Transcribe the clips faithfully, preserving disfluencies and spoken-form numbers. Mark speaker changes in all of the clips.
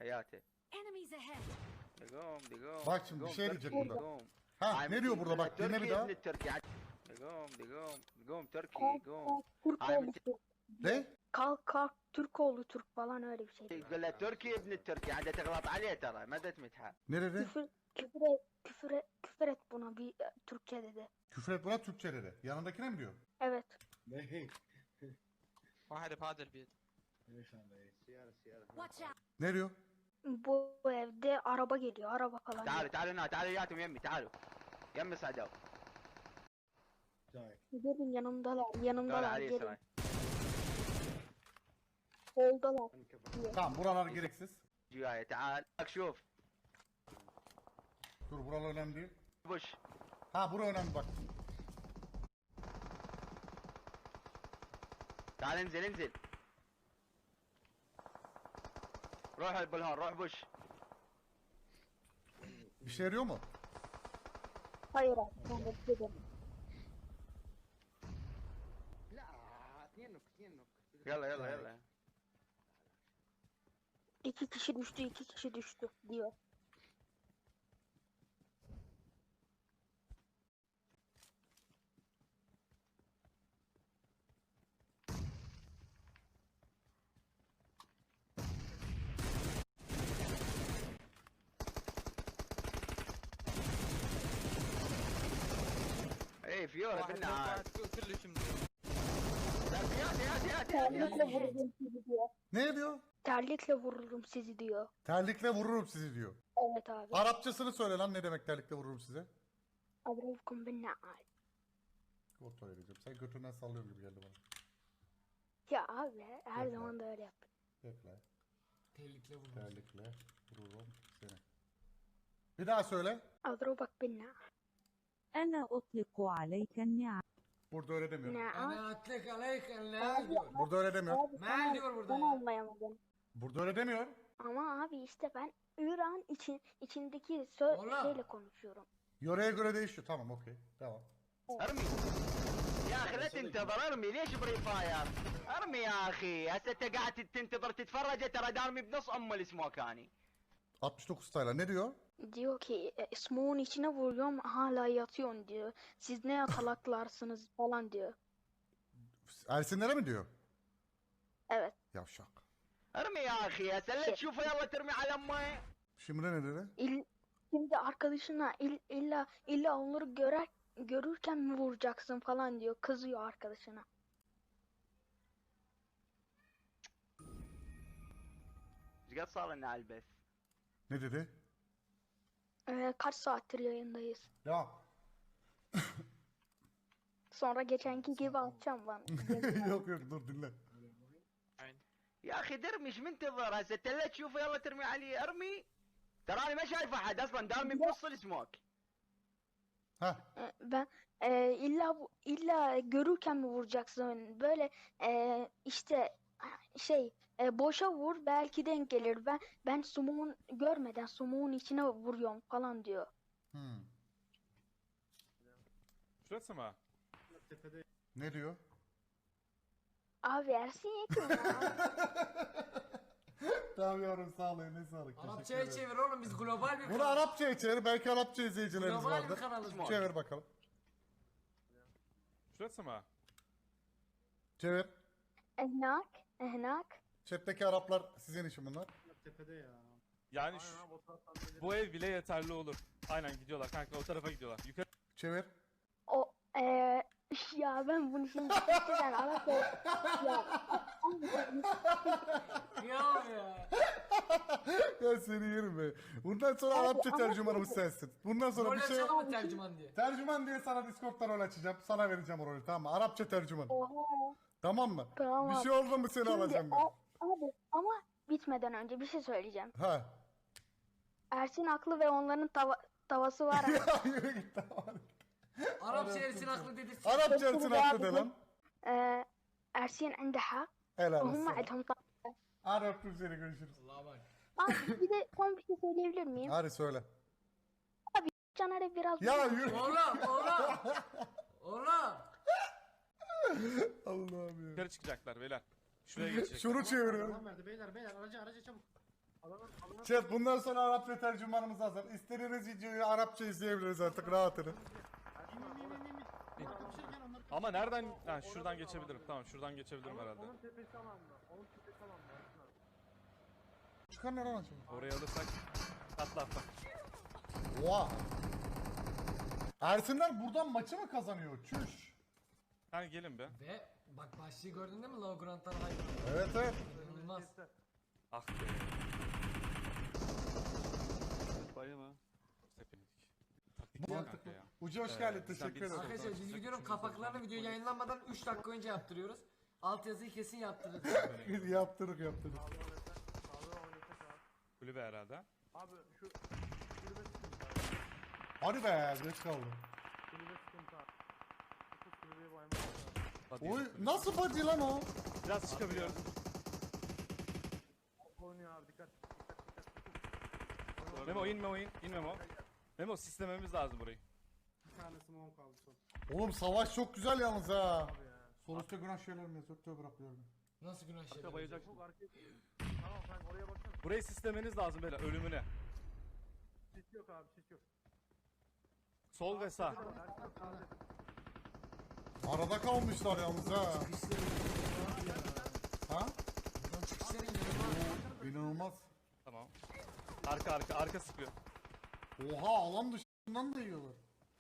Speaker 1: حياتي.
Speaker 2: Enemies ahead.
Speaker 1: دقوم دقوم.
Speaker 3: Bak şimdi bir
Speaker 1: دقوم
Speaker 3: şey
Speaker 1: تركي،
Speaker 3: diyecek burada.
Speaker 1: دقوم.
Speaker 3: Ha ne diyor burada bak dinle bir daha.
Speaker 1: ابن التركي. دقوم دقوم دقوم تركي
Speaker 4: Kalk
Speaker 1: قوم.
Speaker 4: kalk Türk
Speaker 1: هاي
Speaker 4: oğlu
Speaker 1: من
Speaker 4: Türk.
Speaker 3: Ne?
Speaker 4: Kalk kalk Türk oğlu Türk falan öyle bir şey.
Speaker 1: يقول له تركي ابن التركي عاد تغلط عليه ترى ما تمدحه.
Speaker 3: Ne dedi?
Speaker 4: Küfür, küfür, et, küfür, et, küfür et buna bir e, Türkçe dedi.
Speaker 3: Küfür et buna Türkçe dedi. Yanındakine mi diyor?
Speaker 4: Evet.
Speaker 5: واحد بهذا البيت.
Speaker 2: Watch out.
Speaker 3: Ne diyor?
Speaker 4: Bu evde araba geliyor, araba falan.
Speaker 1: تعالوا تعالوا هنا تعالوا وياتهم يمي تعالوا. يمي صعدوا.
Speaker 4: Gelin yanımdalar,
Speaker 1: دور
Speaker 4: yanımdalar
Speaker 1: علي
Speaker 4: gelin.
Speaker 1: سراي.
Speaker 4: Soldalar.
Speaker 3: Tamam buralar gereksiz.
Speaker 1: جوايا تعال. بك شوف.
Speaker 3: Dur buralar önemli değil.
Speaker 1: بوش.
Speaker 3: Ha bura önemli bak.
Speaker 1: تعال انزل انزل. روح البلهون روح بوش.
Speaker 3: Bir şey yarıyor mu?
Speaker 4: Hayır abi, ben de dedim.
Speaker 1: يلا يلا يلا.
Speaker 4: İki kişi düştü, iki kişi düştü diyor.
Speaker 1: ايه فيورا
Speaker 5: واحد
Speaker 1: قلنا عاد.
Speaker 5: كلش منيح.
Speaker 1: يات يات يات
Speaker 4: Terlikle
Speaker 1: يات.
Speaker 4: vururum sizi diyor.
Speaker 3: Ne diyor?
Speaker 4: Terlikle vururum sizi diyor.
Speaker 3: Terlikle vururum sizi diyor.
Speaker 4: Evet abi.
Speaker 3: Arapçasını söyle lan ne demek terlikle vururum size?
Speaker 4: Adrevkum bin na'al.
Speaker 3: Kontrol edeceğim. Sen götünden sallıyor gibi geldi bana.
Speaker 4: Ya abi her
Speaker 3: Evet,
Speaker 4: zaman da öyle yap.
Speaker 3: Bekle.
Speaker 6: Terlikle vurmuş.
Speaker 3: Terlikle vururum seni. Bir daha söyle.
Speaker 4: Adrevkum bin na'al.
Speaker 7: أنا أطلق عليك النعم.
Speaker 3: Burada öyle demiyor.
Speaker 4: Na'al.
Speaker 6: Ana atlık aleyken ne diyor?
Speaker 3: Burada öyle demiyor.
Speaker 4: Abi
Speaker 6: Ne
Speaker 4: sen,
Speaker 6: diyor burada
Speaker 4: sen
Speaker 6: ya?
Speaker 4: anlayamadım.
Speaker 3: Burada öyle demiyor.
Speaker 4: Ama abi işte ben İran için içindeki sö
Speaker 6: Ola.
Speaker 4: şeyle konuşuyorum.
Speaker 3: Yöreye göre değişiyor. Tamam okey. Devam.
Speaker 1: ارمي يا اخي لا تنتظر ارمي ليش بري فاير ارمي يا اخي هسه انت قاعد تنتظر تتفرج ترى دارمي بنص ام السموكاني.
Speaker 3: altmış dokuz tayla ne diyor?
Speaker 4: Diyor ki e, smoke'un içine vuruyorum hala yatıyorsun diyor. Siz ne yatalaklarsınız falan diyor.
Speaker 3: Ersinlere mi diyor?
Speaker 4: Evet.
Speaker 3: Yavşak.
Speaker 1: ارمي يا اخي هسه لا تشوفه يلا ترمي على امه.
Speaker 3: Şimdi ne dedi?
Speaker 4: İl, şimdi arkadaşına il, illa illa onları görer görürken mi vuracaksın falan diyor. Kızıyor arkadaşına.
Speaker 1: ايش قد صار لنا على البث؟
Speaker 3: Ne dedi?
Speaker 4: Ee, kaç saattir yayındayız.
Speaker 3: Devam.
Speaker 4: Sonra geçenki gibi atacağım ben.
Speaker 3: yok yok dur dinle.
Speaker 5: عين.
Speaker 1: يا اخي درمي ايش منتظر هسه انت لا تشوفه يلا ترمي عليه ارمي. تراني ما شايف احد اصلا دارمي بنص السموك.
Speaker 3: Ha.
Speaker 4: Ee, ben e, illa bu- illa görürken mi vuracaksın? Böyle e, işte şey e, boşa vur belki denk gelir. Ben ben smoke'un görmeden smoke'un içine vuruyorum falan diyor.
Speaker 3: Hmm.
Speaker 8: Şurası mı?
Speaker 3: Ne diyor?
Speaker 4: Abi Ersin Yekin ya.
Speaker 3: Tamam yavrum sağ ol ne sağlık.
Speaker 6: Arapçaya çevir oğlum biz global bir
Speaker 3: Bunu
Speaker 6: kanal.
Speaker 3: Arapçaya çevir. Belki Arapça izleyicilerimiz
Speaker 6: Global bir
Speaker 3: vardır.
Speaker 6: kanalız bu.
Speaker 3: Çevir bakalım.
Speaker 8: Şurası mı?
Speaker 3: Çevir.
Speaker 4: Ehnak, ehnak.
Speaker 3: Chat'teki Araplar sizin için bunlar.
Speaker 8: Yani şu- bu ev bile yeterli olur. Aynen gidiyorlar kanka o tarafa gidiyorlar. Yukarı
Speaker 3: Çevir.
Speaker 4: O e, ya ben bunu şimdi gerçekten Arapça ya
Speaker 6: Ya ya.
Speaker 3: Ya seni yerim be. Bundan sonra
Speaker 4: Abi,
Speaker 3: Arapça
Speaker 4: ama-
Speaker 3: tercümanımız sensin. Bundan sonra
Speaker 6: Rol
Speaker 3: bir şey...
Speaker 6: açalım mı tercüman diye?
Speaker 3: Tercüman diye sana Discord'dan rol açacağım. Sana vereceğim o rolü tamam mı? Arapça tercüman.
Speaker 4: oha.
Speaker 3: Tamam mı?
Speaker 4: Tamam.
Speaker 3: Bir şey oldu mu seni
Speaker 4: Şimdi,
Speaker 3: alacağım ben.
Speaker 4: a- abi ama bitmeden önce bir şey söyleyeceğim.
Speaker 3: Ha.
Speaker 4: Ersin haklı ve onların tava tavası var.
Speaker 3: Ya yürü git tamam.
Speaker 6: Arapça Ersin haklı dedi.
Speaker 3: Arapça Ersin haklı de lan.
Speaker 4: Ee, Ersin عنده حق
Speaker 3: Helal
Speaker 4: وهم
Speaker 3: olsun.
Speaker 4: عندهم طاقة.
Speaker 3: Hadi öptüm seni görüşürüz.
Speaker 6: Allah'a bak.
Speaker 4: Abi bir de son bir şey söyleyebilir miyim?
Speaker 3: Hadi söyle.
Speaker 4: Caner'e biraz
Speaker 3: Ya yürü.
Speaker 6: Oğlum oğlum. Oğlum.
Speaker 3: Allah'ım ya.
Speaker 8: yukarı çıkacaklar beyler. Şuraya geçecekler.
Speaker 3: Şunu çeviriyorum.
Speaker 9: Tamam verdi beyler beyler araca araca çabuk.
Speaker 3: Chat bundan sonra Arapça tercümanımız hazır. İstediğiniz videoyu Arapça izleyebiliriz artık rahat edin.
Speaker 8: Ama nereden? Ha, şuradan geçebilirim. Tamam şuradan geçebilirim herhalde.
Speaker 3: Çıkar nereden acaba?
Speaker 8: Orayı alırsak atla atla.
Speaker 3: Oha. Ersinler buradan maçı mı kazanıyor? Çüş.
Speaker 8: Hani gelin be.
Speaker 6: Ve bak başlığı gördün değil mi? Low Grant'tan hayır.
Speaker 3: Evet evet.
Speaker 6: İnanılmaz.
Speaker 8: Ah be.
Speaker 2: Bayılma.
Speaker 8: Tepedik. Taktik değil kanka ya.
Speaker 3: Ucu hoş
Speaker 8: Ee,
Speaker 3: geldin.
Speaker 8: sen
Speaker 3: Teşekkür
Speaker 8: bir-
Speaker 3: ederim.
Speaker 6: Arkadaşlar biz videonun kapaklarını video yayınlanmadan üç dakika önce yaptırıyoruz. Altyazıyı kesin yaptırırız.
Speaker 3: yaptırık yaptırık.
Speaker 8: Kulübe herhalde.
Speaker 3: Hadi be geç kaldım.
Speaker 8: Hadi
Speaker 3: Oy
Speaker 8: yürü.
Speaker 3: nasıl body lan o?
Speaker 8: Biraz çıkabiliyoruz. Memo in Memo in. İn Memo. Memo sistememiz lazım burayı.
Speaker 3: Oğlum savaş çok güzel yalnız ha. Sol üstte günah şeylerim yazıyor. Tövbe bırakıyorum.
Speaker 6: Nasıl günah şey?
Speaker 2: Arka bayılacak.
Speaker 8: Burayı sistemeniz lazım böyle ölümüne. Sol ve sağ.
Speaker 3: Arada kalmışlar yalnız ha. Ha?
Speaker 6: Buradan çıkışları inanılmaz.
Speaker 3: İnanılmaz.
Speaker 8: Tamam. Arka arka arka sıkıyor.
Speaker 3: Oha alan dışından da yiyorlar.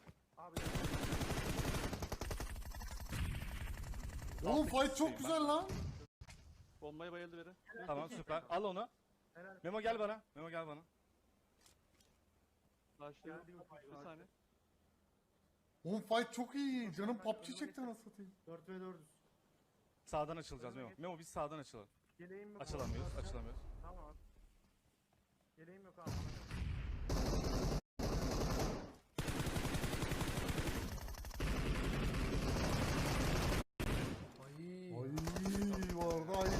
Speaker 3: Oğlum fight çok güzel lan.
Speaker 2: Bombaya bayıldı biri.
Speaker 8: Tamam süper. Al onu. Memo gel bana. Memo gel bana.
Speaker 2: Başlıyor. Bir saniye.
Speaker 3: Oğlum fight çok iyi. Canım P U B G çekti nasıl satayım.
Speaker 9: dört ve dördüz.
Speaker 8: Sağdan açılacağız Memo. Memo biz sağdan açılalım.
Speaker 9: Yeleğim yok.
Speaker 8: Açılamıyoruz, açılamıyoruz.
Speaker 9: Tamam. Yeleğim yok abi.
Speaker 6: Ay.
Speaker 3: Ay vardı ay.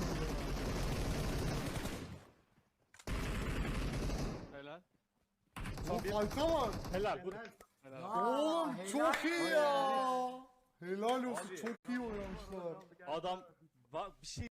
Speaker 2: Helal.
Speaker 3: Oğlum fight'a bak.
Speaker 8: Helal. Bu.
Speaker 2: Helal.
Speaker 6: Aa,
Speaker 3: Oğlum
Speaker 6: helal.
Speaker 3: çok iyi ya. Helal olsun çok iyi oynamışlar.
Speaker 8: Adam va- bir şey